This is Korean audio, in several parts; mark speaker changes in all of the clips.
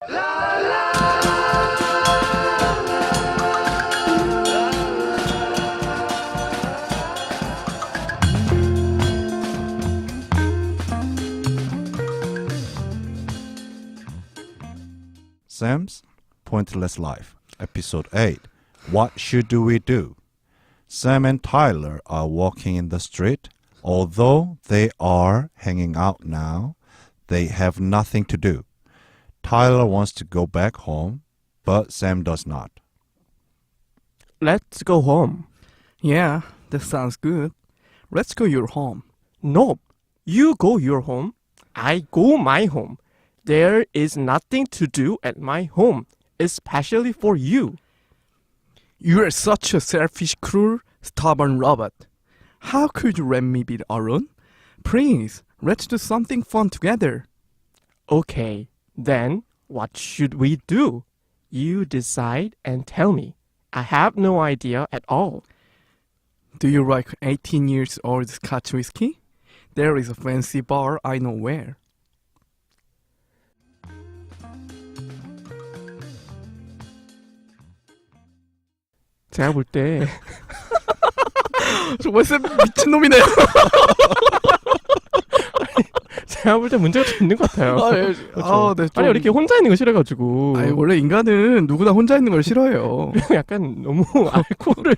Speaker 1: Sam's Pointless Life, Episode 8. What should we do? Sam and Tyler are walking in the street. Although they are hanging out now, they have nothing to do. Tyler wants to go back home, but Sam does not.
Speaker 2: Let's go home.
Speaker 3: Yeah, that sounds good. Let's go your home.
Speaker 2: No, you go your home. I go my home. There is nothing to do at my home, especially for you.
Speaker 3: You are such a selfish, cruel, stubborn robot. How could you let me be alone? Please, let's do something fun together.
Speaker 2: Okay, then what should we do? You decide and tell me. I have no idea at all.
Speaker 3: Do you like 18 years old Scotch whiskey? There is a fancy bar I know where.
Speaker 2: 제가 볼 때
Speaker 3: 정말 쌤 미친놈이네요.
Speaker 2: 제가 볼 때 문제가 좀 있는 것 같아요.
Speaker 3: 네, 좀...
Speaker 2: 아니 이렇게 혼자 있는 거 싫어가지고.
Speaker 3: 아니 원래 인간은 누구나 혼자 있는 걸 싫어해요.
Speaker 2: 그리고 약간 너무 알코올을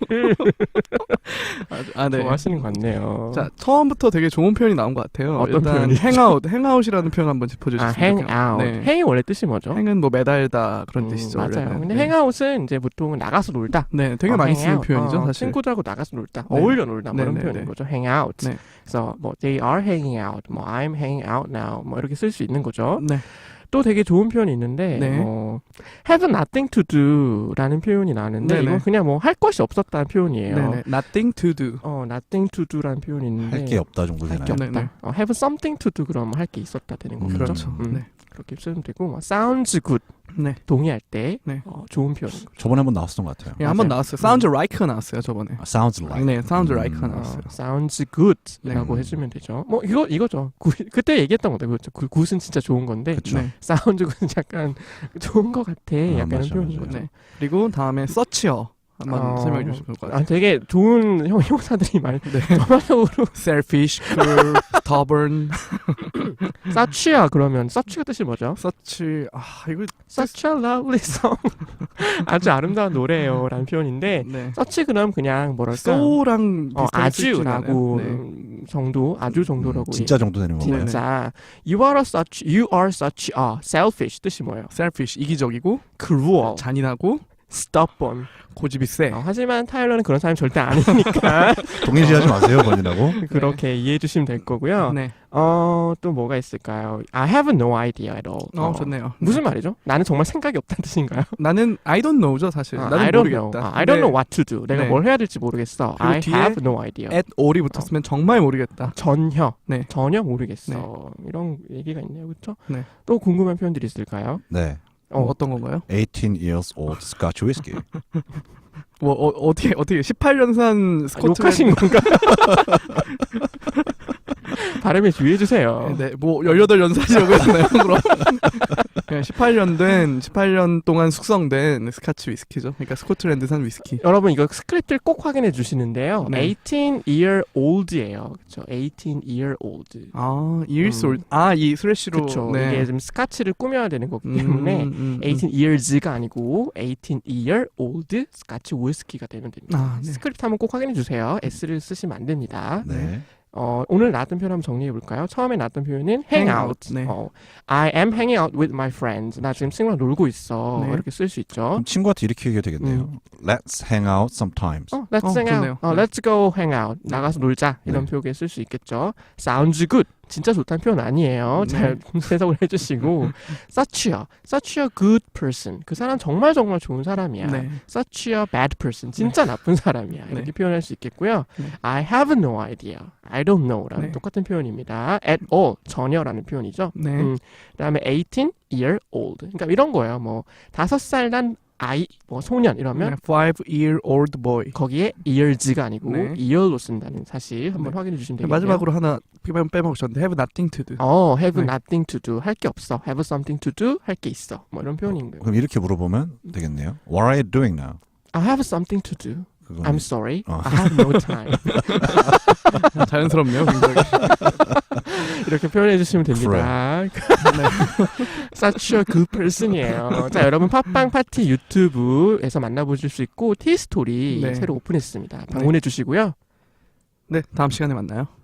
Speaker 3: 네.
Speaker 2: 좋아하시는 것 같네요.
Speaker 3: 자, 처음부터 되게 좋은 표현이 나온 것 같아요.
Speaker 2: 어떤
Speaker 3: 일단
Speaker 2: 표현이죠?
Speaker 3: 행아웃이라는 표현 한번 짚어주시면
Speaker 2: 행아웃.
Speaker 3: 네.
Speaker 2: 행이 원래 뜻이 뭐죠?
Speaker 3: 행은 뭐 매달다 그런 뜻이죠.
Speaker 2: 맞아요.
Speaker 3: 원래는.
Speaker 2: 근데
Speaker 3: 네.
Speaker 2: 행아웃은 이제 보통 나가서 놀다.
Speaker 3: 네, 되게 많이 쓰는
Speaker 2: 행아웃.
Speaker 3: 표현이죠, 사실.
Speaker 2: 친구들하고 나가서 놀다,
Speaker 3: 네.
Speaker 2: 어울려 놀다 뭐 이런
Speaker 3: 네,
Speaker 2: 표현인
Speaker 3: 네.
Speaker 2: 거죠. hang out.
Speaker 3: 네.
Speaker 2: 그래서 뭐 they are hanging out, 뭐 I'm hanging out now, 뭐 이렇게 쓸 수 있는 거죠.
Speaker 3: 네.
Speaker 2: 또 되게 좋은 표현이 있는데
Speaker 3: 네.
Speaker 2: 뭐 have nothing to do라는 표현이 나는데
Speaker 3: 네네.
Speaker 2: 이건 그냥 뭐 할 것이 없었다는 표현이에요.
Speaker 3: 네네. Nothing to do.
Speaker 2: nothing to do라는 표현이 있는데
Speaker 1: 할 게 없다 정도
Speaker 2: 할
Speaker 1: 되나요?
Speaker 2: 게 없다.
Speaker 3: 네네.
Speaker 2: have something to do 그러면 할 게 있었다 되는 거죠.
Speaker 3: 그렇죠. 네.
Speaker 2: 그렇게 쓰면 되고 뭐 sounds good
Speaker 3: 네.
Speaker 2: 동의할 때
Speaker 3: 네.
Speaker 2: 좋은 표현인 거죠.
Speaker 1: 저번에 한번 나왔었던 것 같아요.
Speaker 3: 예, 한번
Speaker 2: 맞아요.
Speaker 3: 나왔어요. Sounds like가 나왔어요, 저번에.
Speaker 1: Sounds like.
Speaker 3: 네, Sounds like가 나왔어요.
Speaker 2: sounds good라고
Speaker 3: 네.
Speaker 2: 해주면 되죠. 뭐 이거죠. 그때 얘기했던 건데 그렇죠. 굿은 진짜 좋은 건데
Speaker 1: 그쵸.
Speaker 3: 네.
Speaker 2: sounds good은 약간 좋은 것 같아. 약간
Speaker 1: 맞아,
Speaker 2: 이런 표현인
Speaker 1: 맞아.
Speaker 2: 거죠.
Speaker 3: 네. 그리고 다음에 search요. 한번 설명해 주시면 좋을 것 같아요.
Speaker 2: 되게 좋은 형용사들이 많이
Speaker 3: 네.
Speaker 2: 전반적으로
Speaker 3: Selfish, cruel, stubborn.
Speaker 2: such야 그러면 such가 뜻이 뭐죠?
Speaker 3: such 이거
Speaker 2: Such a lovely song. 아주 아름다운 노래예요라는 표현인데
Speaker 3: 네.
Speaker 2: such 그럼 그냥 뭐랄까
Speaker 3: so랑 비슷하게 쓰이진
Speaker 2: 아주라고
Speaker 3: 않아요. 네.
Speaker 2: 정도 아주 정도라고
Speaker 1: 진짜 정도 되는 건가요?
Speaker 2: 진짜 you are such a selfish 뜻이 뭐예요?
Speaker 3: selfish 이기적이고
Speaker 2: cruel,
Speaker 3: 잔인하고
Speaker 2: stubborn.
Speaker 3: 고집이 세.
Speaker 2: 하지만 타일러는 그런 사람이 절대 아니니까
Speaker 1: 동일시하지 마세요, 번이라고.
Speaker 2: 그렇게 이해해 주시면 될 거고요.
Speaker 3: 네.
Speaker 2: 또 뭐가 있을까요? I have no idea at all.
Speaker 3: 좋네요.
Speaker 2: 무슨 말이죠? 나는 정말 생각이 없다는 뜻인가요?
Speaker 3: 나는 I don't know죠, 사실. 나는
Speaker 2: I don't
Speaker 3: 모르겠다.
Speaker 2: know. I don't know what to do. 내가
Speaker 3: 네.
Speaker 2: 뭘 해야 될지 모르겠어.
Speaker 3: 그리고
Speaker 2: I
Speaker 3: 뒤에
Speaker 2: have no idea.
Speaker 3: at all이 붙었으면 정말 모르겠다.
Speaker 2: 전혀.
Speaker 3: 네.
Speaker 2: 전혀 모르겠어. 이런 얘기가 있네요. 그렇죠?
Speaker 3: 네.
Speaker 2: 또 궁금한 표현들이 있을까요?
Speaker 1: 네.
Speaker 3: 어떤 건가요?
Speaker 1: 18 years old Scotch whiskey.
Speaker 3: 뭐 어떻게 18년산 스코틀랜드
Speaker 2: 욕하신 건가? 발음에 주의해 주세요.
Speaker 3: 네, 뭐 18연산이라고 했나요? 그럼 그냥 18년 동안 숙성된 스카치 위스키죠. 그러니까 스코틀랜드산 위스키.
Speaker 2: 여러분 이거 스크립트를 꼭 확인해 주시는데요.
Speaker 3: 네.
Speaker 2: 18year old예요. 그렇죠. 18year old.
Speaker 3: years old. 이 슬래시로.
Speaker 2: 그렇죠.
Speaker 3: 네.
Speaker 2: 이게 좀 스카치를 꾸며야 되는 거기 때문에 18 years가 아니고 18year old 스카치 위스키가 되면 됩니다.
Speaker 3: 네.
Speaker 2: 스크립트 한번 꼭 확인해 주세요. S를 쓰시면 안 됩니다.
Speaker 1: 네.
Speaker 2: 오늘 나왔던 표현 한번 정리해 볼까요? 처음에 나왔던 표현은 hang out.
Speaker 3: 네.
Speaker 2: I am hanging out with my friends. 나 지금 친구랑 놀고 있어.
Speaker 3: 네.
Speaker 2: 이렇게 쓸 수 있죠.
Speaker 1: 그럼 친구한테 이렇게 얘기해도 되겠네요. Let's hang out sometimes.
Speaker 2: Let's hang
Speaker 3: 좋네요.
Speaker 2: out. Let's go hang out. 나가서 놀자. 이런
Speaker 1: 네.
Speaker 2: 표현에 쓸 수 있겠죠. Sounds good. 진짜 좋다는 표현 아니에요. 잘 해석을 해주시고 such요. Such a good person. 그 사람 정말 좋은 사람이야.
Speaker 3: 네.
Speaker 2: Such a bad person. 진짜 나쁜 사람이야. 이렇게
Speaker 3: 네.
Speaker 2: 표현할 수 있겠고요.
Speaker 3: 네.
Speaker 2: I have no idea. I don't know라는
Speaker 3: 네.
Speaker 2: 똑같은 표현입니다. At all. 전혀라는 표현이죠.
Speaker 3: 네.
Speaker 2: 그다음에 18 year old. 그러니까 이런 거예요. 뭐 5살 난 아이, 뭐 소년 이러면
Speaker 3: 5-year-old boy.
Speaker 2: 거기에 years가 아니고
Speaker 3: 네.
Speaker 2: year로 쓴다는 사실 한번
Speaker 3: 네.
Speaker 2: 확인해 주시면 되겠네요.
Speaker 3: 마지막으로 하나 빼먹으셨는데 have nothing to do.
Speaker 2: have
Speaker 3: 네.
Speaker 2: nothing to do 할 게 없어. have something to do 할 게 있어. 뭐 이런 표현인 거예요.
Speaker 1: 그럼 이렇게 물어보면 되겠네요. What are you doing now?
Speaker 2: I have something to do.
Speaker 1: 그건
Speaker 2: I'm sorry.
Speaker 1: 어.
Speaker 2: I have no time.
Speaker 3: 자연스럽네요, 굉장히.
Speaker 2: 이렇게 표현해 주시면 됩니다. Such a good person이에요. 자, 여러분 팟빵 파티 유튜브에서 만나보실 수 있고 티스토리
Speaker 3: 네.
Speaker 2: 새로 오픈했습니다. 방문해 주시고요.
Speaker 3: 네, 다음 시간에 만나요.